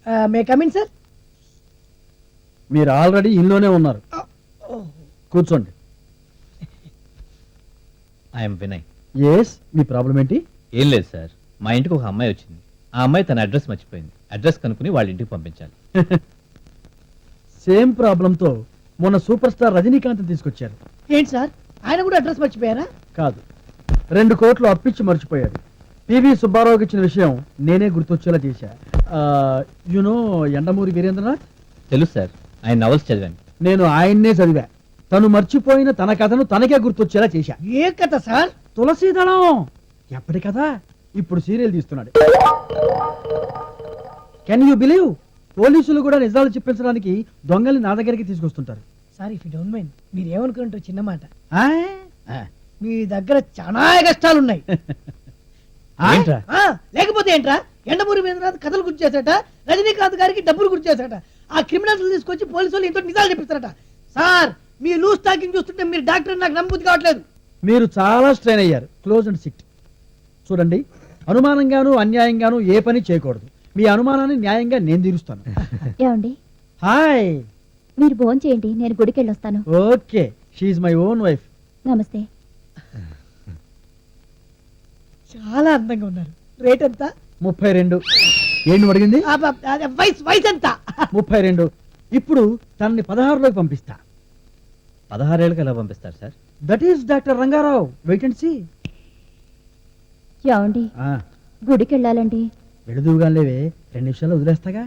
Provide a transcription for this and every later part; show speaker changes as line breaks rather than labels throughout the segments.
మే come in sir.
మీరు already ఇంట్లోనే ఉన్నారు, కూర్చోండి.
ఐఎమ్ వినయ్.
ఎస్, మీ ప్రాబ్లం ఏంటి?
ఏం లేదు సార్, మా ఇంటికి ఒక అమ్మాయి వచ్చింది. ఆ అమ్మాయి తన అడ్రస్ మర్చిపోయింది. అడ్రస్ కనుక్కుని వాళ్ళ ఇంటికి పంపించాలి.
సేమ్ ప్రాబ్లంతో మొన్న సూపర్ స్టార్ రజనీకాంత్ తీసుకొచ్చారు.
ఏంటి సార్, ఆయన కూడా అడ్రస్ మర్చిపోయారా?
కాదు, 2 కోట్లు అప్పిచ్చి మర్చిపోయాడు. పివి సుబ్బారావుకి ఇచ్చిన విషయం నేనే గుర్తొచ్చేలా చేశా. యునో ఎండమూరి వీరేంద్రనాథ్?
తెలుసు సార్, ఆయన నవల్స్ చదివాను.
నేను ఆయన్నే చదివా. తను మర్చిపోయిన తన కథను తనకే గుర్తొచ్చేలా చేశా.
ఏ కథ సార్?
తులసీదళం. ఎప్పటి కథ? ఇప్పుడు సీరియల్ తీస్తున్నాడు. Can you believe? పోలీసులు కూడా నిజాలు చెప్పించడానికి దొంగల్ని నా దగ్గరికి తీసుకొస్తుంటారు.
Sir, if you don't mind, మీరు ఏమనుకుంటారో చిన్న మాట.
ఆ?
మీ దగ్గర చాలా కష్టాలున్నాయి.
ఏంట్రా?
లేకపోతే ఏంట్రా, ఎండమూరి వీరేంద్రనాథ్ కథలు గుర్తు చేశాట, రజనీకాంత్ గారికి డబ్బులు గుర్తు చేశాట, ఆ క్రిమినల్స్ తీసుకొచ్చి పోలీసు వాళ్ళు ఇంతో నిజాలు చెప్పిస్తారట. సార్, మీ లూజ్ టాకింగ్ చూస్తుంటే మీరు డాక్టర్ నాకు నమ్మబుద్ధి కావట్లేదు.
మీరు చాలా స్ట్రెయిన్ అయ్యారు. Close and sit. చూడండి, అనుమానంగాను అన్యాయంగాను ఏ పని చేయకూడదు. మీ అనుమానాన్ని న్యాయంగా నేను తీరుస్తాను.
ఏమండి,
హాయ్.
మీరు భోజనం చేయండి, నేను గుడికి వెళ్ళొస్తాను.
Okay, she's my own wife.
నమస్తే.
చాలా అందంగా ఉన్నారు. రేట్ ఎంత?
32. ఏంటి అడిగింది?
వయసు ఎంత?
32. ఇప్పుడు తనని 16లోకి పంపిస్తా.
16 ఏళ్ళకి ఎలా పంపిస్తారు సార్?
That is doctor Rangarao. Wait and see.
ఏమండి, గుడికి వెళ్ళాలండి.
వెళుదువుగా లేవే, 2 నిమిషాలు వదిలేస్తాగా.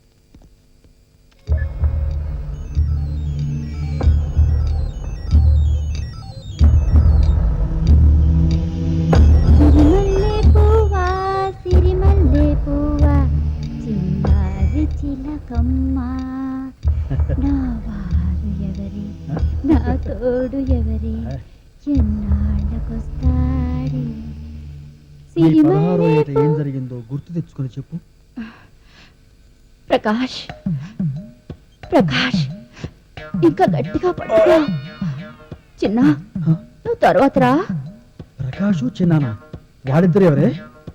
సిరిమల్లె పువ్వా, సిరిమల్లె పువ్వా, చిన్నారి చిలకమ్మ, నా వారు ఎవరి, నా తోడు ఎవరి, ఎన్నాళ్ళకొస్తాడి.
ఈ 16వ ఏట ఏం జరిగిందో గుర్తు తెచ్చుకొని చెప్పు.
ప్రకాష్, ప్రకాష్, ఇంకా గట్టిగా పట్టుకో. చిన్న, నువ్వు తర్వాత రా.
ప్రకాషు చిన్నానా, వాడిద్దరు ఎవరే?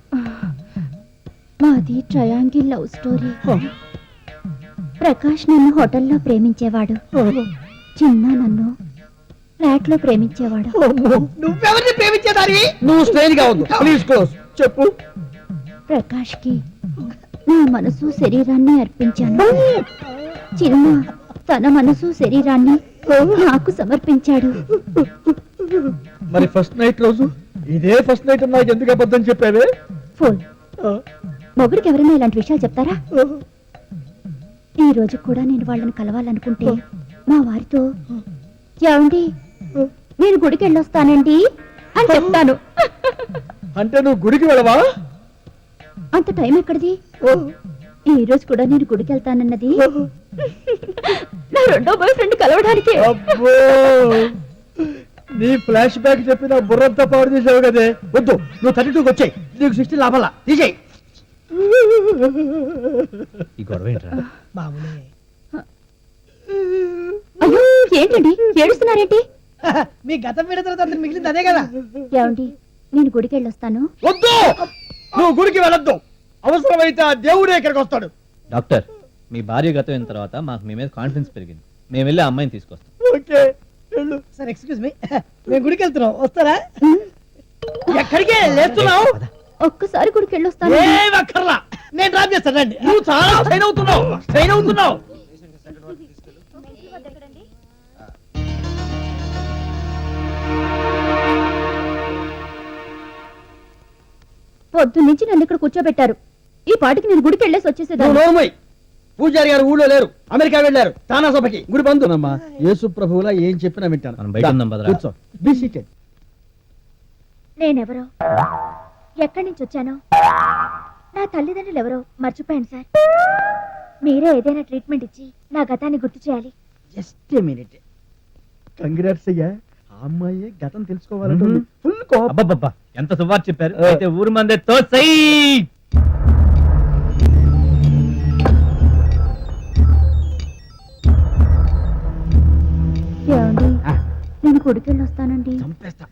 మాది ట్రయాంగిల్ లవ్ స్టోరీ. ప్రకాష్ నన్ను హోటల్లో ప్రేమించేవాడు, చిన్న నన్ను ఫ్లాట్ లో ప్రేమించేవాడు.
నువ్వెవరిని ప్రేమించేదారి?
నువ్వు స్ట్రెయిన్ గా ఉంది. Please close. చెప్పు.
ప్రకాష్ కి నా మనసు శరీరాన్ని అర్పించాను. చిన్న తన మనసు శరీరాన్ని నాకు సమర్పించాడు.
మరి ఫస్ట్ నైట్ రోజు ఇదే ఫస్ట్ నైట్ నాకు ఎందుకు అబద్ధం చెప్పావే?
ఫోన్ మొగుడికి ఎవరైనా ఇలాంటి విషయాలు చెప్తారా? ఈ రోజు కూడా నేను వాళ్ళని కలవాలనుకుంటే మా వారితో, ఏమండి నేను గుడికి వెళ్ళొస్తానండి అని చెప్తాను.
అంటే నువ్వు గుడికి వెళ్ళవా?
అంత టైం ఎక్కడిది? ఈ రోజు కూడా నేను గుడికి వెళ్తానన్నది నా రెండో బాయ్ ఫ్రెండ్ కలవడానికి.
అబ్బో, నీ ఫ్లాష్ బ్యాక్ చెప్పి నా బుర్రంతా పాడు చేసావు కదే. వద్దు, నువ్వు 32కి వచ్చాయి. నీకు 16 లాభాలా తీసేయి.
ఈ గొడవ ఏంట్రా?
మామూలే.
అయ్యో ఏంటండి ఏడుస్తున్నారేంటి?
మీ గతం విడతల తర్వాత మిగిలింది అదే కదా.
ఏమండి నేను గుడికి వెళ్ళొస్తాను.
వద్దు, నువ్వు గుడికి వెళ్ళొద్దు. అవసరమైతే ఆ దేవుడే ఇక్కడికి వస్తాడు.
డాక్టర్, మీ భార్య గతం అయిన తర్వాత మాకు మీ మీద కాన్ఫిడెన్స్ పెరిగింది. మేము వెళ్ళి ఆ అమ్మాయిని తీసుకొస్తాం.
ఓకే, వెళ్ళు.
సార్ ఎక్స్క్యూజ్ మీ, మేము గుడికి వెళ్తున్నాం, వస్తారా? ఎక్కడికి లేస్తున్నావు?
ఒక్కసారి గుడికి వెళ్ళొస్తాను.
ఏం అక్కర్లా, నేను డ్రాప్ చేస్తానండి.
నువ్వు చాలా స్ట్రెయిన్ అవుతున్నావు.
పొద్దు నుంచి నన్ను ఇక్కడ కూర్చోబెట్టారు. ఈ పాటికి నేను గుడికి వెళ్ళేసి వచ్చేసేదాన్ని.
పూజారి గారు ఊళ్ళో లేరు, అమెరికా వెళ్ళారు తానా సభకి. గుడి బంధునమ్మా. యేసు ప్రభువులా ఏం చెప్పినా వింటాను.
మనం బయట ఉందాం భద్రా.
కూర్చో. Be seated.
నేనెవరో, ఎక్కడి నుంచి వచ్చానో, నా తల్లిదండ్రులు ఎవరో మర్చిపోయాను సార్. మీరే ఏదైనా ట్రీట్మెంట్ ఇచ్చి నా గతాన్ని గుర్తు చేయాలి.
Just a minute. కంగ్రాట్స్ అయ్యా. ఆ అమ్మాయి గతం తెలుసుకోవాలంటే ఫుల్ కోపం.
అబ్బబ్బబ్బా, ఎంత సువార్ చెప్పారు. అయితే ఊరు మందే తోసై.
ఏమండి నేను గుడికి వెళ్ళి వస్తానండి.
చంపేస్తా.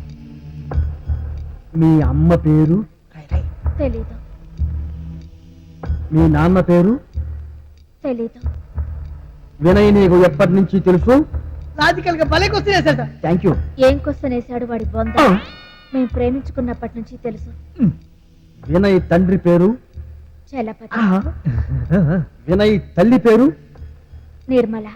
మీ అమ్మ పేరు?
తెలీదు.
మీ నాన్న పేరు
తెలీదు.
వినయ్ నీకు ఎప్పటి నుంచి తెలుసు?
లాజికల్ గా భలే క్వశ్చన్ వేశారు సార్.
Thank you.
ఏం క్వశ్చన్ వేశాడు వాడి బొంద? మేము ప్రేమించుకున్నప్పటి నుంచి తెలుసు.
వినయ్ తండ్రి పేరు?
చలపతి.
వినయ్ తల్లి పేరు?
నిర్మల.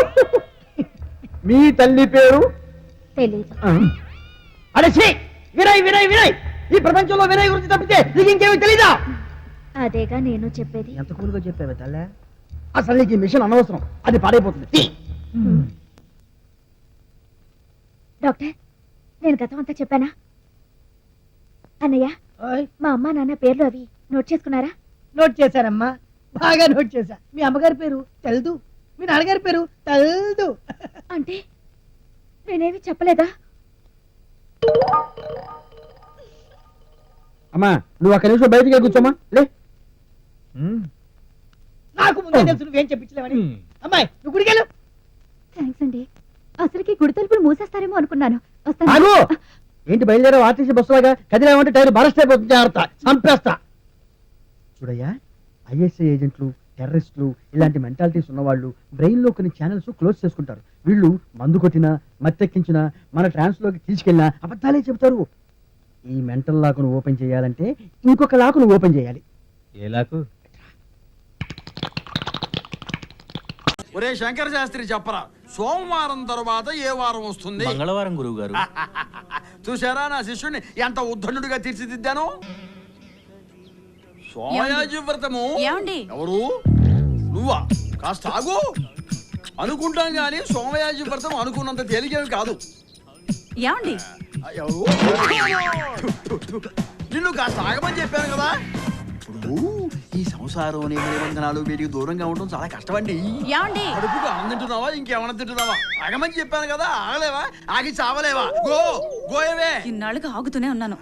మీ తల్లి పేరు?
తెలీదు.
అరే ఛీ! వినయ్ వినయ్ వినయ్, ఈ ప్రపంచంలో వినయ్ గురించి తప్పితే నీకు ఇంకేమీ తెలీదా?
అదేగా నేను చెప్పేది.
ఎంత కూలుగా చెప్పావే తల్లే. అసలు నీకు ఈ మిషన్ అనవసరం, అది పాడైపోతుంది.
డాక్టర్, నేను గతం అంతా చెప్పానా? అన్నయ్య,
ఓయ్,
మా అమ్మ నాన్న పేర్లు అవి నోట్ చేసుకున్నారా?
నోట్ చేశారమ్మా, బాగా నోట్ చేశా. మీ అమ్మగారి పేరు తెల్దు, మీ నాన్నగారి పేరు తెల్దు.
అంటే నేనేమి చెప్పలేదా?
అమ్మా నువ్వు అక్కడి నుంచి బయటికి కూర్చోమా. లే,
నాకు ముందే తెలుసు నువ్వేం చెప్పించలేవని. అమ్మాయి నువ్వు గుడికెళ్ళు.
థ్యాంక్స్ అండి. అసలుకి గుడి తలుపులు మూసేస్తారేమో అనుకున్నాను. వస్తాను.
ఆగు! ఏంటి బయలుదేరావు ఆర్టీసీ బస్సులాగా? కదిలేమంటే టైర్ బరస్ట్ అయిపోతుంది. జాగ్రత్త, చంపేస్తా. చూడయ్యా, ఐఎస్ఐ ఏజెంట్లు, టెర్రరిస్టులు, ఇలాంటి మెంటాలిటీస్ ఉన్నవాళ్ళు బ్రెయిన్ లో కొన్ని ఛానల్స్ క్లోజ్ చేసుకుంటారు. వీళ్ళు మందు కొట్టినా, మత్తెక్కించినా, మన ట్రాన్స్ లోకి తీసుకెళ్ళినా అబద్ధాలే చెబుతారు. ఈ మెంటల్ లాకును ఓపెన్ చేయాలంటే ఇంకొక లాకును ఓపెన్ చేయాలి.
ఏలాకు?
ఒరే శంకర శాస్త్రి చెప్పరా, సోమవారం తర్వాత ఏ వారం వస్తుంది?
మంగళవారం గురువు గారు.
చూసారా నా శిష్యుడిని ఎంత ఉద్ధనుడిగా తీర్చిదిద్దాను. సోమయాజి వ్రతము. ఎవరు? నువ్వా? కాస్త ఆగు. అనుకుంటాం గాని సోమయాజి వ్రతం అనుకున్నంత తేలికేమి కాదు.
ఏమండి?
ఎవరు? నిన్ను కాస్త ఆగమని చెప్పాను కదా. ఇప్పుడు ఈ సంసారం నిబంధనలు వీటికి దూరంగా ఉండడం చాలా కష్టమండి.
ఏమండి?
కడుపుకు అన్నం తింటున్నావా, ఇంకేమన్నా తింటున్నావా? ఆగమని చెప్పాను కదా, ఆగలేవా? ఆగి చావలేవా? గోయవే.
ఇన్నాళ్ళుగా ఆగుతూనే ఉన్నాను.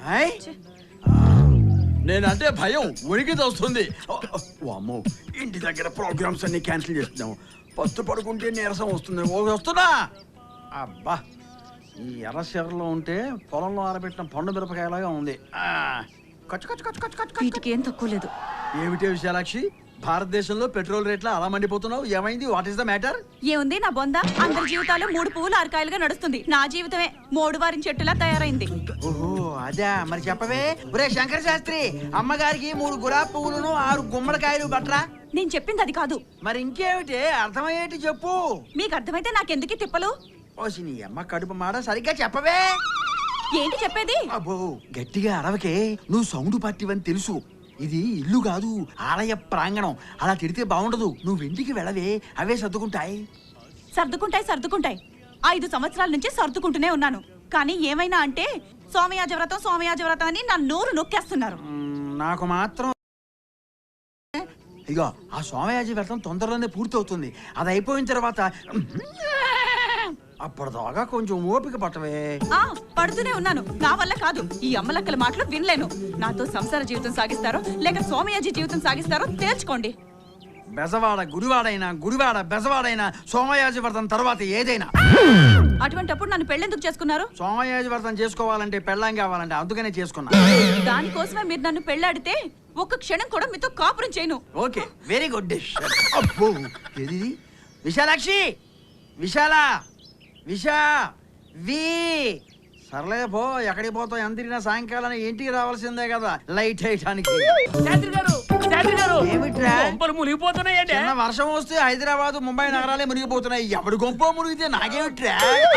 నేనంటే భయం ఉనికి వస్తుంది. అమ్మో, ఇంటి దగ్గర ప్రోగ్రామ్స్ అన్ని క్యాన్సిల్ చేస్తున్నాము. పస్తు పడుకుంటే నీరసం వస్తుంది. వస్తున్నా. అబ్బా, ఈ ఎర్రశెర్రలో ఉంటే పొలంలో ఆరబెట్టిన పండు మిరపకాయలాగా ఉంది.
వీటికి ఏం తక్కువ లేదు.
ఏమిటే విశాలాక్షి, భారతదేశంలో పెట్రోల్ రేట్ల అలా మండిపోతున్నావు? ఏమైంది? What is the matter?
ఏముంది నా బొంద? అందరి జీవితాలు 3 పువ్వులు 6 కాయలుగా నడుస్తుంది. నా జీవితమే 3 వారిన చెట్టులా తయారైంది.
ఓహో అదే, మరి చెప్పవే. ఒరే శంకర శాస్త్రి, అమ్మగారికి 3 గులాబీ పువ్వులను 6 గుమ్మడికాయలు బట్రా.
నేను చెప్పింది అది కాదు.
మరి ఇంకేమిటి? అర్థమయ్యేటి చెప్పు.
మీకు అర్థమైతే నాకెందుకు తిప్పలు?
ఓసి నీ అమ్మ కడుపు మాడ, సరిగ్గా చెప్పవే.
ఏంటి చెప్పేది?
అబ్బో, గట్టిగా అరవకే. నువ్వు సౌండ్ పార్టీవని తెలుసు. ఇది ఇల్లు కాదు, ఆలయ ప్రాంగణం. అలా తిడితే బాగుండదు. నువ్వు ఇంటికి వెళ్ళవే, అవే సర్దుకుంటాయి.
సర్దుకుంటాయి 5 సంవత్సరాల నుంచి సర్దుకుంటూనే ఉన్నాను. కానీ ఏమైనా అంటే సోమయాజ వ్రతం అని నా నోరు నొక్కేస్తున్నారు.
నాకు మాత్రం ఇగో, ఆ సోమయాజి వ్రతం తొందరలోనే పూర్తవుతుంది. అది అయిపోయిన తర్వాత అప్పటిదాకా కొంచెం ఓపిక పట్టవే.
పడుతూనే ఉన్నాను. నా వల్ల కాదు. ఈ అమ్మలక్కల మాటలు వినలేను. నాతో సంసార జీవితం సాగిస్తారో లేక సోమయాజి జీవితం సాగిస్తారో తేల్చుకోండి.
బెజవాడ గుడివాడైనా, గుడివాడ బెజవాడైనా సోమయాజి వ్రతం తర్వాత ఏదైనా.
అటువంటప్పుడు నన్ను పెళ్ళెందుకు చేసుకున్నారు?
సోమయాజి వ్రతం చేసుకోవాలంటే పెళ్ళాం కావాలంటే, అందుకనే చేసుకున్నా.
దానికోసమే మీరు నన్ను పెళ్ళాడితే ఒక్క క్షణం కూడా మీతో కాపురం చేయను.
Okay, very good dish. అబ్బో, ఏది? విశాలాక్షి, విశా సర్లే పో. ఎక్కడికి పోతావు? ఎంత తిరిగినా సాయంకాలం ఇంటికి రావాల్సిందే కదా, లైట్ వేయడానికి. ఏమిట్రా? చిన్న వర్షం వస్తే హైదరాబాద్, ముంబై నగరాలే మునిగిపోతున్నాయి. ఎవడి గొంప మునిగితే నాకేమిట్రా?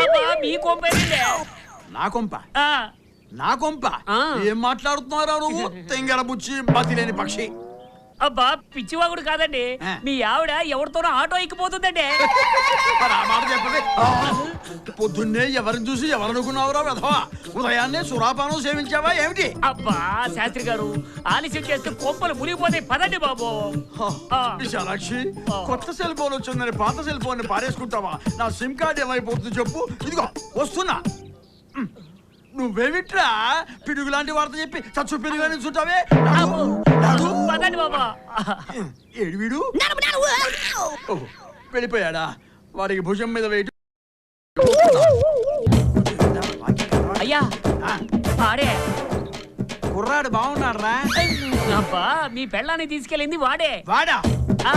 నా కొంప ఏం మాట్లాడుతున్నారా నువ్వు? తెంగర బుచ్చి బతిలేని పక్షి.
అబ్బా పిచ్చివాగుడు కాదండి, మీ ఆవిడ ఎవరితోనో ఆటో ఎక్కిపోతుందండి.
పొద్దున్నే ఎవరిని చూసి ఎవరనుకున్నావురా వెధవా? ఉదయాన్నే సురాపానం సేవించావా ఏమిటి?
అబ్బా శాస్త్రి గారు, ఆలస్యం చేస్తే కొంపలు మునిగిపోతాయి. పదండి బాబు.
విశాలాక్షి, కొత్త సెల్ ఫోన్ వచ్చిందని పాత సెల్ ఫోన్ పారేసుకుంటావా? నా సిమ్ కార్డ్ ఏమైపోతుంది చెప్పు. ఇదిగో వస్తున్నా. నువ్వేమిట్రా పిడుగు లాంటి వార్త చెప్పి చచ్చు పిడుగు చుట్టావే? ఏడు వీడు వెళ్ళిపోయాడా? వాడికి భుజం మీద వెయిట్.
అయ్యా ఆడే
కుర్రాడు బాగున్నాడు రా.
అబ్బా మీ పెళ్ళాన్ని తీసుకెళ్ళింది వాడే.
వాడా?
ఆ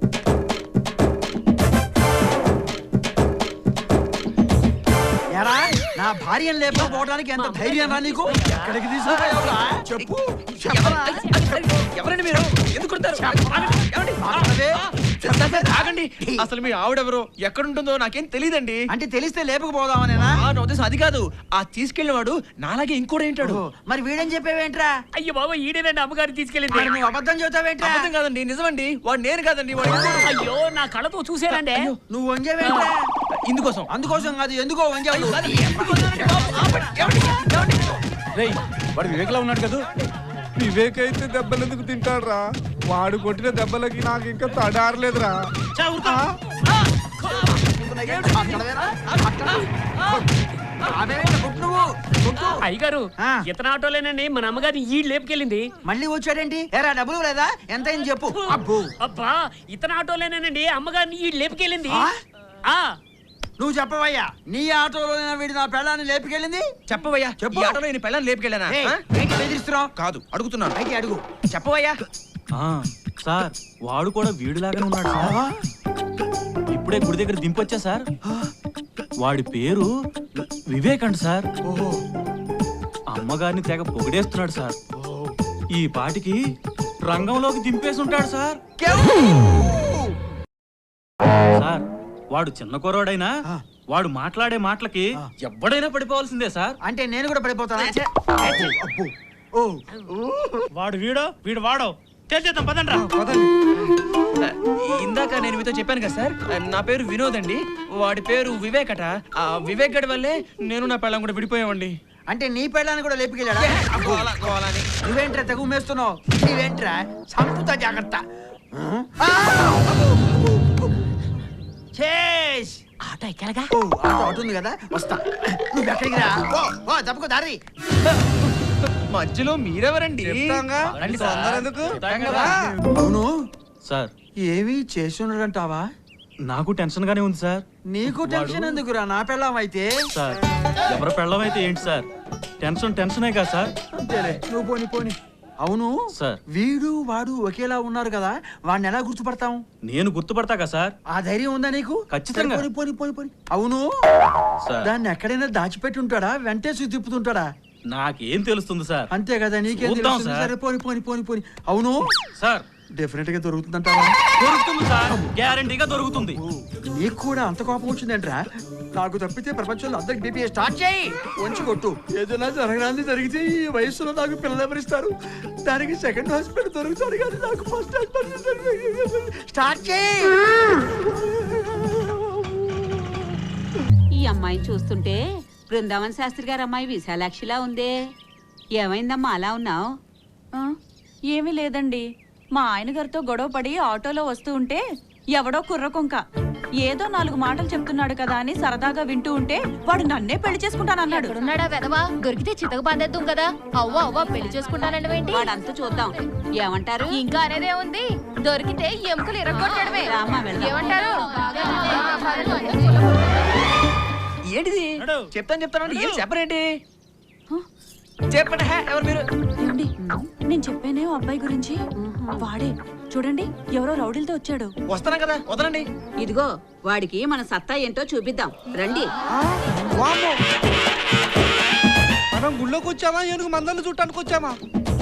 ఎరా నా భార్యను లేకపోవడానికి ఎంత ధైర్యం రా నీకు? ఎక్కడికి తీసుకుపోయావురా? చెప్పు. చెప్పరా?
ఎవరండి మీరు? ఎందుకు కొడతారు?
మాట్లాడవే.
ఆగండి. అసలు మీ ఆవిడెవరో ఎక్కడుంటుందో నాకేం తెలియదండి.
అంటే తెలిస్తే లేపకపోదామనేనా?
నా ఉద్దేశం అది కాదు. ఆ తీసుకెళ్లిన వాడు నాలాగే ఇంకోటి ఏంటాడు.
మరి వీడని చెప్పేవేంట్రా?
అయ్యో బాబా ఈడేనండి అమ్మగారు తీసుకెళ్ళింది.
మరి నువ్వు అబద్ధం చెబుతావేంట్రా?
అబద్ధం కాదండి, నిజమండి. వాడు నేను కాదండి, వాడు ఇంకోడు.
అయ్యో నా కళ్ళతో చూసానండి.
నువ్వు వంజేవేంట్రా?
ఇందుకోసం.
అందుకోసం కాదు, ఎందుకో వంజావు.
రేయ్ వాడు వివేక్లా ఉన్నాడు కదా. వివేక్ అయితే దెబ్బలు ఎందుకు తింటాడురా? వాడు కొట్టిన దెబ్బలకి నాకు ఇంకా తడారలేదురా.
అయ్యగారు
ఆ.
ఇతను ఆటోలేనండి మన అమ్మగారిని ఈ లేపుకెళ్ళింది.
మళ్ళీ వచ్చాడేంటి? ఏరా డబ్బులు లేదా? ఎంతైంది చెప్పు. అబ్బో,
అబ్బా ఇతను ఆటోలేనండి అమ్మగారిని ఈ లేపుకెళ్ళింది.
ఆ?
ఆ
నువ్వు చెప్పవయ్యా, నీ ఆటోలో వీడి నా పెళ్ళాన్ని లేపుకెళ్ళింది?
చెప్పవయ్యా.
చెప్పు.
ఈ ఆటోలో ఈయన పెళ్ళాన్ని లేపుకెళ్ళానా?
ఏయ్, ఏంటి బెదిరిస్తున్నావు?
కాదు, అడుగుతున్నాను.
అయితే అడుగు.
చెప్పవయ్యా.
సార్ వాడు కూడా వీడిలాగానే ఉన్నాడు సార్. ఇప్పుడే గుడి దగ్గర దింపొచ్చా సార్. వాడి పేరు వివేక్ అంట సార్. అమ్మగారిని తెగ పొగిడేస్తున్నాడు సార్. ఈ పాటికి రంగంలోకి దింపేసి ఉంటాడు సార్. సార్ వాడు చిన్న కుర్రాడైనా వాడు మాట్లాడే మాటలకి ఎవడైనా పడిపోవాల్సిందే సార్.
అంటే నేను కూడా పడిపోతానా? అబ్బో. ఓ.
వాడు వీడు వాడో చేద్దాం పదండ్రా.
ఇందాక నేను మీతో చెప్పాను కదా సార్, నా పేరు వినోద్ అండి. వాడి పేరు వివేక్ అట. ఆ వివేక్ గడి వల్లే నేను నా పెళ్ళం కూడా విడిపోయామండి.
అంటే నీ పెళ్ళాన్ని కూడా లేపుకెళ్ళాడా? నువ్వేంట్రా తెగు మేస్తున్నావు? నీవేంట్రా సంపుతా జాగ్రత్త. చేస్
ఆటో ఎక్కడగా?
ఓ, ఆటో ఉంది కదా, వస్తా. నువ్వు ఎక్కడికి రా? ఓ తప్పుకో దారి.
మధ్యలో మీరెవరండి?
రండి సార్. ఎందుకు?
అవును
సార్
ఏవి చేస్తున్నాడంటావా?
నాకు టెన్షన్ గానే ఉంది సార్.
నీకు టెన్షన్ ఎందుకురా? నా పెళ్ళాం అయితే.
సార్ ఎవరి పెళ్ళం అయితే ఏంటి సార్, టెన్షనే కదా సార్.
అంతేలే, నువ్వు పోని పోని. అవును
సార్.
వీడు వాడు ఒకేలా ఉన్నారు కదా, వాడిని ఎలా గుర్తుపడతాం?
నేను గుర్తుపడతా కదా సార్.
ఆ ధైర్యం ఉందా నీకు?
ఖచ్చితంగా.
పోని పోని పోని పోని. అవును
సార్
దాన్ని ఎక్కడైనా దాచిపెట్టి ఉంటాడా, వెంటేసి తిప్పుతుంటాడా?
నాకేం తెలుస్తుంది సార్.
అంతే కదా, నీకేం
చూద్దాం
తెలుస్తుంది?
సార్.
సరే పోని పోని పోని పోని. అవును
సార్
డెఫినెట్ గా దొరుకుతుందంటావా?
దొరుకుతుంది సార్, గ్యారంటీగా దొరుకుతుంది.
నీకు కూడా అంత కోపం వచ్చిందేంట్రా? నాకు తప్పితే ప్రపంచంలో అందరికి బీపీ స్టార్ట్ చేయి, వంచి కొట్టు. ఏదైనా జరగడానికి జరిగితే ఈ వయసులో నాకు పిల్లలు ఎవరిస్తారు? దానికి సెకండ్ హాస్పిటల్ దొరుకుతాడు కానీ నాకు ఫస్ట్ హాస్పిటల్. స్టార్ట్ చేయి.
ఈ అమ్మాయిని చూస్తుంటే బృందావన్ శాస్త్రి గారి అమ్మాయి విశాలాక్షిలా ఉందే. ఏమైందమ్మా అలా ఉన్నావు?
ఏమీ లేదండి, మా ఆయన గారితో గొడవ పడి ఆటోలో వస్తూ ఉంటే ఎవడో కుర్రకొంక ఏదో 4 మాటలు చెప్తున్నాడు కదా అని సరదాగా వింటూ ఉంటే వాడు నన్నే పెళ్లి చేసుకుంటానన్నాడు.
ఎక్కడున్నాడా వెదవా? దొరికితే చితక బాధేద్దాం కదా. అవ్వ పెళ్లి చేసుకుంటానండి.
వాడంతా చూద్దాం, ఏమంటారు?
ఇంకా అనేదే ఉంది, దొరికితే ఎముకలు ఇరగొట్టడమే.
రామ్మా, వెళ్దాం.
ఏమంటారు?
ఏంటిది? చెప్తాను ఏం చెప్పరేంటి? చెప్పండి. ఎవరు మీరు?
ఏమండి, నేను చెప్పానే ఓ అబ్బాయి గురించి, వాడే చూడండి ఎవరో రౌడీలతో వచ్చాడు.
వస్తాను కదా, వదలండి.
ఇదిగో వాడికి మన సత్తా ఏంటో చూపిద్దాం రండి.
మనం గుళ్ళోకి వచ్చామా ఏనుగు మందలు చుట్టానికి వచ్చామా?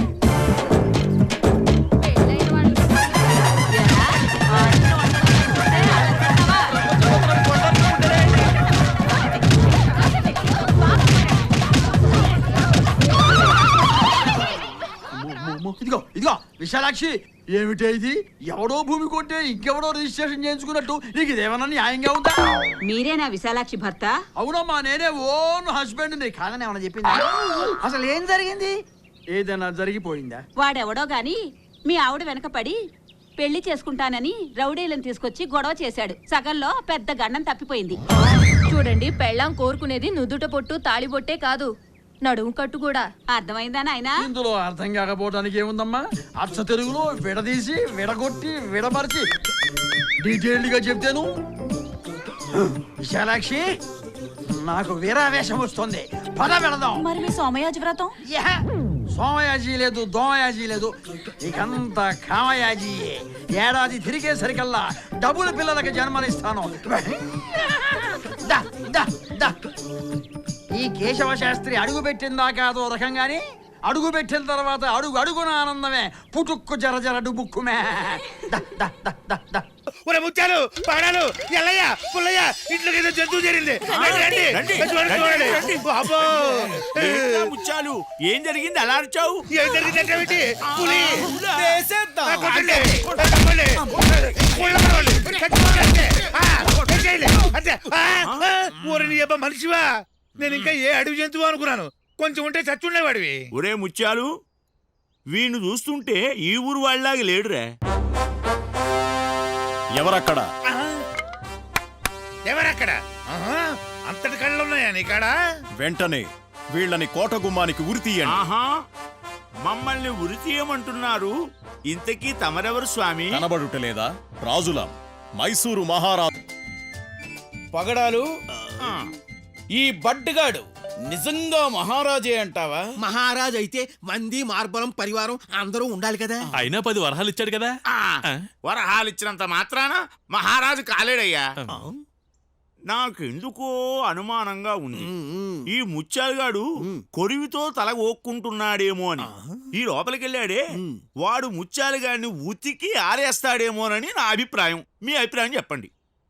ఇదిగో ఇదిగో విశాలాక్షి, ఏమిటే ఇది? ఎవడో భూమి కొంటే ఇంకెవడో రిజిస్ట్రేషన్ చేయించుకున్నట్టు నీకు ఇదేమన్నా న్యాయంగా ఉందా?
మీరేనా విశాలాక్షి భర్త?
అవునమ్మా, నేనే ఓన్ హస్బెండ్ ని. కాదని ఏమన్నా చెప్పిందా? అసలు ఏం జరిగింది? ఏదైనా జరిగిపోయిందా?
వాడెవడో గాని మీ ఆవిడ వెనక పడి పెళ్లి చేసుకుంటానని రౌడీలను తీసుకొచ్చి గొడవ చేశాడు. సగంలో పెద్ద గండం తప్పిపోయింది.
చూడండి, పెళ్ళాం కోరుకునేది నుదుట పొట్టు తాళిబొట్టే కాదు, నడుము కట్టు కూడా.
అర్థమైందా నాయనా?
ఇందులో అర్థం కాకపోవడానికి ఏముందమ్మా? అచ్చ తెలుగులో విడదీసి విడగొట్టి విడమర్చి డీటెయిల్డ్ గా చెప్తాను. విశాలాక్షి, నాకు వీరావేశం వస్తుంది, పద వెళదాం.
మరి మీ సోమయాజి వ్రతం?
సోమయాజీ లేదు, దోమయాజీ లేదు, ఇకంతా కామయాజీయే. ఏడాది తిరిగేసరికల్లా డబుల్ పిల్లలకి జన్మనిస్తాను. దా, దా, దా. ఈ కేశవ శాస్త్రి అడుగు పెట్టిందాకా అదో రకంగాని, అడుగు పెట్టిన తర్వాత అడుగు అడుగున ఆనందమే, పుటుక్కు జర జర డుబుక్కుమే. దా, దా, దా, దా, దా.
ఒరే ముత్యాలు, పగడాలు, ఎల్లయ్య, పుల్లయ్య, ఇంట్లోకి ఏదో జంతువు చేరింది. రండి, రండి, చూడండి. అబ్బో.
ముచ్చాలు ఏం జరిగింది అలా అరిచావు?
ఏం జరిగిందంటే ఏమిటి? పులి.
వేసేద్దాం.
కొట్టండి, కొట్టండి. పుల్ల పగలు, చచ్చిపోకండి. చేయండి. అంతే. ఊరి నీ అబ్బా మనిషివా? నేను ఇంకా ఏ అడవి జంతువు అనుకున్నాను. కొంచెం ఉంటే చచ్చుండేవాడివి.
ఒరే ముత్యాలు, వీణ్ణి చూస్తుంటే ఈ ఊరు వాళ్ళలాగా లేడురా.
ఎవరక్కడ?
ఎవరక్కడ? అంతటి కళ్ళు ఉన్నాయా నీకాడ?
వెంటనే వీళ్ళని కోట గుమ్మానికి ఉరి తీయండి.
ఆహా, మమ్మల్ని ఉరి తీయమంటున్నారు. ఇంతకీ తమరెవరు స్వామి?
కనబడుటలేదా? రాజులం, మైసూరు మహారాజు.
పగడాలు, ఈ బడ్డగాడు నిజంగా మహారాజే అంటావా?
మహారాజ్ అయితే మంది మార్బలం పరివారం అందరూ ఉండాలి కదా.
అయినా 10 వరహాలు ఇచ్చాడు కదా.
వరహాలిచ్చినంత మాత్రాన మహారాజు కాలేడయ్యా. నాకెందుకో అనుమానంగా ఉంది. ఈ ముత్యాలుగాడు కొరివితో తల ఓక్కుంటున్నాడేమో అని. ఈ లోపలికెళ్ళాడే వాడు ముత్యాలుగాడిని ఉతికి ఆరేస్తాడేమోనని నా అభిప్రాయం. మీ అభిప్రాయం చెప్పండి.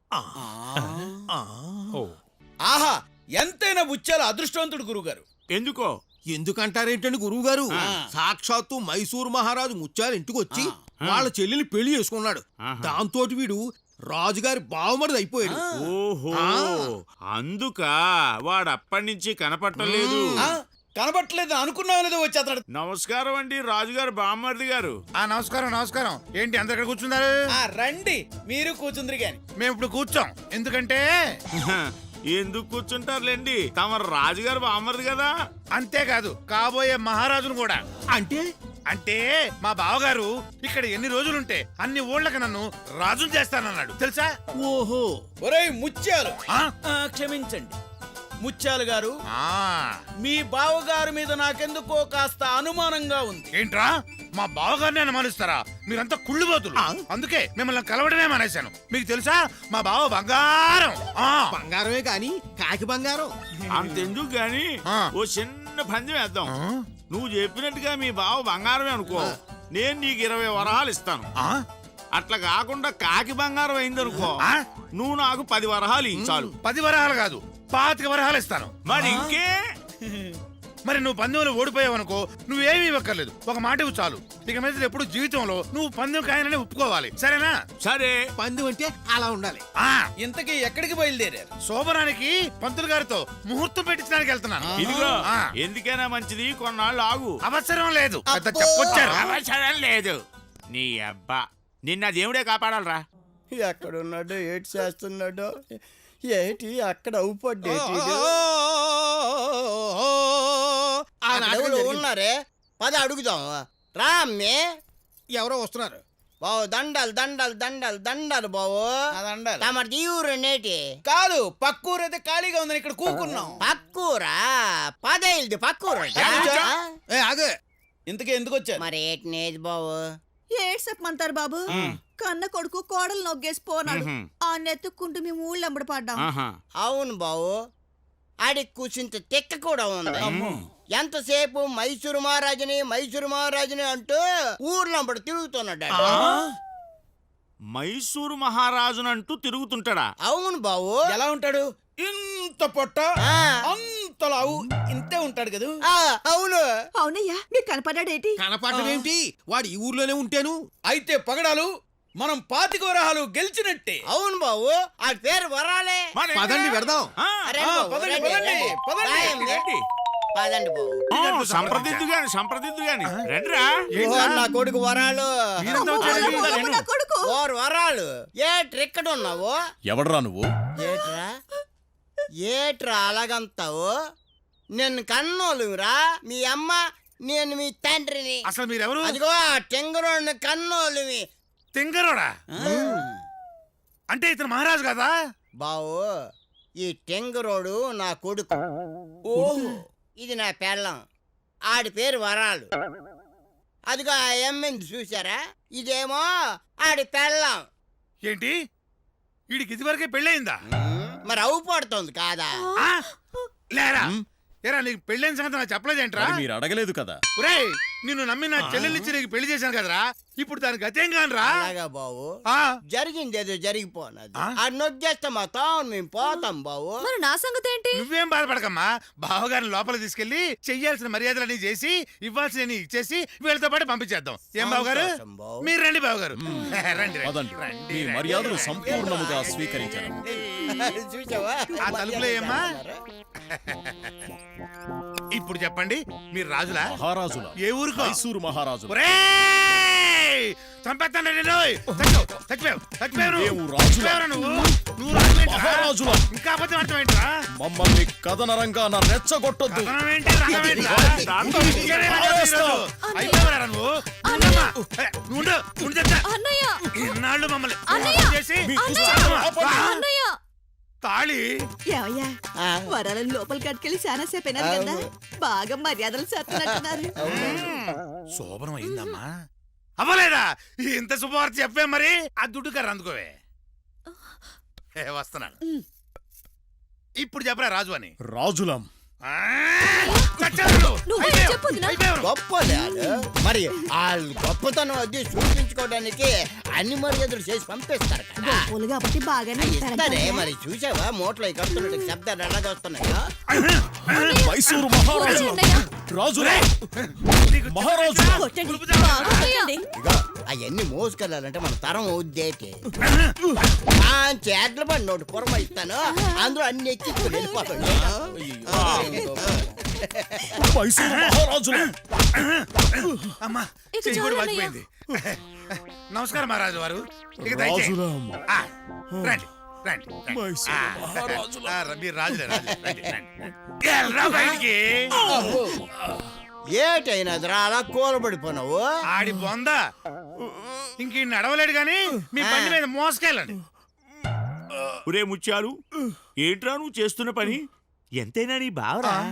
ఆహా, ఎంతైనా ముత్యాల అదృష్టవంతుడు గురుగారు.
ఎందుకో?
ఎందుకంటారేంటండి గురువు గారు? సాక్షాత్తు మైసూరు మహారాజు ముత్యాలు ఇంటికి వచ్చి వాళ్ళ చెల్లిని పెళ్లి చేసుకున్నాడు. దాంతో వీడు రాజుగారి బావమరిది అయిపోయాడు.
ఓహో, అందుక వాడు అప్పటి నుంచి కనపట్టలేదు.
కనబట్టలేదు అనుకున్నావు లేదో వచ్చి అతడు.
నమస్కారం అండి రాజుగారు, బామ్మర్ది గారు.
నమస్కారం, నమస్కారం. ఏంటి అందరు ఇక్కడ కూర్చున్నారు?
రండి, మీరు కూర్చుందరు గాని.
మేము ఇప్పుడు కూర్చోం. ఎందుకంటే
ఎందుకు కూర్చుంటారులేండి, తమ రాజుగారు బామ్మర్ది కదా.
అంతేకాదు, కాబోయే మహారాజును కూడా.
అంటే
అంటే మా బావగారు ఇక్కడ ఎన్ని రోజులుంటే అన్ని ఊళ్ళకి నన్ను రాజును చేస్తానన్నాడు తెలుసా?
ఓహో, ఒరేయ్ ముత్యాలు,
ఆ?
క్షమించండి ముత్యాలు గారు. మీ బావగారి మీద నాకెందుకో కాస్త అనుమానంగా ఉంది.
ఏంట్రా, మా బావగారిని అనుమానిస్తారా? మీరంతా కుళ్ళుబోతులు. అందుకే మిమ్మల్ని కలవడమే మానేశాను. మీకు తెలుసా, మా బావ బంగారం.
బంగారమే కాని కాకి బంగారం.
అంతెందుకు గాని ఓ చిన్న పందెం వేద్దాం. నువ్వు చెప్పినట్టుగా మీ బావ బంగారమే అనుకో, నేను నీకు 20 వరహాలు ఇస్తాను. అట్లా కాకుండా కాకి బంగారం అయిందనుకో, నువ్వు నాకు 10 వరహాలు చాలు.
10 వరహాలు కాదు, 25 వరహాలు ఇస్తాను.
మరి ఇంకే?
మరి నువ్వు పందెంలో ఓడిపోయావనుకో, నువ్వేమీ ఇవ్వక్కర్లేదు. ఒక మాట ఇవ్వు చాలు. ఇక మీద ఎప్పుడు జీవితంలో నువ్వు పందెం కాయనని ఒప్పుకోవాలి, సరేనా?
సరే.
పందెం అంటే అలా ఉండాలి. ఇంతకీ ఎక్కడికి బయలుదేరారు?
శోభనానికి పంతులు గారితో ముహూర్తం పెట్టించడానికి వెళ్తున్నాను.
ఇదిగో, ఎందుకైనా మంచిది కొన్నాళ్ళు ఆగు.
అవసరం లేదు, చెప్పొచ్చారు.
అవసరం లేదు. నీ అబ్బా, నిన్న దేవుడే కాపాడాలరా.
ఎక్కడున్నాడో ఏటి చేస్తున్నాడో ఏటి అక్కడ అవుపడ్డేటి ఉన్నారే. పద అడుగుదాం రా. అమ్మే ఎవరో వస్తున్నారు. బావు దండాలు దండాలు దండాలు దండాలు బావు. తమది ఊరు నేటి కాదు, పక్కూరు అయితే ఖాళీగా ఉందని ఇక్కడ కూకున్నాం. పక్కూరా? పదేళ్ళది పక్కూరు. ఆగే, ఇంతకీ ఎందుకు వచ్చారు? మరి ఏటి నేది బావు?
ఏడ్ చెప్పమంటారు బాబు. కన్న కొడుకు కోడలు నొగ్గేసి పోనాడు. ఆ నెత్తుక్కుంటూ మేము ఊళ్ళో అమ్మడి పడ్డాం.
అవును బావు, ఆడి కూర్చుంటే తెక్క కూడా ఉంది. ఎంతసేపు మైసూరు మహారాజుని అంటూ ఊర్లంబడి తిరుగుతున్నాడు.
మైసూరు మహారాజునంటూ తిరుగుతుంటాడా?
అవును బావు. ఎలా ఉంటాడు? ఇంత పొట్ట, అంత లావు, ఇంతే ఉంటాడు కదా. అవును.
అవునయ్యా, మీకు కనపడ్డాడేటి?
కనపడమేంటి, వాడు ఈ ఊర్లోనే ఉంటాను. అయితే పగడాలు, మనం 25 వరహాలు గెలిచినట్టే. అవును బావు, ఆ పేరు వరాలే.
పదండి వెడదాం.
సంప్రదిద్దు గాని రండిరా.
నా కొడుకు వరాలు.
నా కొడుకు
వరాలు. ఏట్రెక్కడ ఉన్నావు?
ఎవడరా నువ్వు?
ఏట్రా అలాగంతావు? నేను కన్నోలురా, మీ అమ్మ, నేను మీ తండ్రిని.
అసలు మీరెవరు?
అదిగో టెంగరోడ్ని కన్నోలువి.
టెంగరోడా? అంటే ఇతను మహారాజు కదా?
బావు, ఈ టెంగరోడు నా కొడుకు. ఓహో, ఇది నా పెళ్ళం. ఆడి పేరు వరాలు. అదిగో ఆ ఎమ్మింది చూసారా, ఇదేమో ఆడి పెళ్ళం.
ఏంటి వీడికి ఇదివరకే పెళ్ళయిందా?
మరి అవు పడుతుంది కాదా?
లేరా ఏరా, నీకు పెళ్ళైన సంగతి నాకు చెప్పలేదేంట్రా?
మరి మీరు అడగలేదు కదా.
ఒరేయ్, నిన్ను నమ్మి నా చెల్లెలిచ్చి నీకు పెళ్లి చేశాను కదరా, ఇప్పుడు దానికి గతేం కానరా?
అలాగా బావు, జరిగింది ఏదో జరిగిపోనది. ఆ నొగ్గేస్తే మొత్తం మేము పోతాం బావు.
మరి నా సంగతి ఏంటి?
నువ్వేం బాధపడకమ్మా, బావగారిని లోపలికి తీసుకెళ్లి చెయ్యాల్సిన మర్యాదలన్నీ చేసి ఇవ్వాల్సిన ఇచ్చేసి వీళ్ళతో పాటు పంపించేద్దాం. ఏం బావగారు? మీరు రండి బావగారు, రండి
పదండి. మీ మర్యాదలు సంపూర్ణముగా స్వీకరించాను.
చూసావా
ఆ తలుపులో ఏమ్మా? ఇప్పుడు చెప్పండి, మీరు రాజులా
మహారాజుల?
ఏ ఊరుకో?
మైసూరు మహారాజు.
చంపేస్తాను
మహారాజుల
ఇంకా అబద్ధం అర్థమేంట్రా?
మమ్మల్ని కథనరంగా నా రెచ్చగొట్టొద్దు.
అయిపోయారా నువ్వు? ఇన్నాళ్ళు మమ్మల్ని చేసి తాళి
ఏమయ్యా, వరాలను లోపలికి కట్టుకెళ్ళి చాలా సేపు అయినది కదా, బాగా మర్యాదలు చేస్తున్నట్టున్నారు.
శోభనం అయిందమ్మా? అవ్వలేదా? ఇంత శుభవార్త చెప్పే మరి. ఆ దుడ్డు కర్ర అందుకోవే, వస్తున్నాను. ఇప్పుడు చెప్పరా రాజు అని.
రాజులం.
గొప్పలే మరి, వాళ్ళు గొప్పతనం అది చూపించుకోవడానికి అన్ని మర్యాదలు చేసి పంపిస్తారు కదా.
కాబట్టి బాగానే
ఇస్తారే మరి. చూసావా మూటలో కడుతున్నట్టు శబ్దాలు ఎలాగ వస్తున్నాయో.
మైసూరు మహారాజు రాజులే మహారాజు.
అవన్నీ మోసుకెళ్ళాలంటే మన తరం ఉద్దేటి. చేట్ల పడి నోటి కూరమ ఇస్తాను, అందులో అన్ని ఎక్కించుకుని వెళ్ళిపోతాడు.
మైసూరు మహారాజు.
అమ్మా చెయ్యి కూడా వాచిపోయింది. నమస్కారం మహారాజు వారు. ఇక దయచేసి రండి రండి. మీరు రాజులే, బయటికి.
ఏటైనా అలా కూలబడిపోయినావు?
ఆడి బొందా ఇంక నడవలేడు గాని మీ బండి మీద మోసుకెళ్ళండి.
ఒరే ముత్యాలు, ఏంట్రా నువ్వు చేస్తున్న పని? ఎంతైనా నీ బావరా.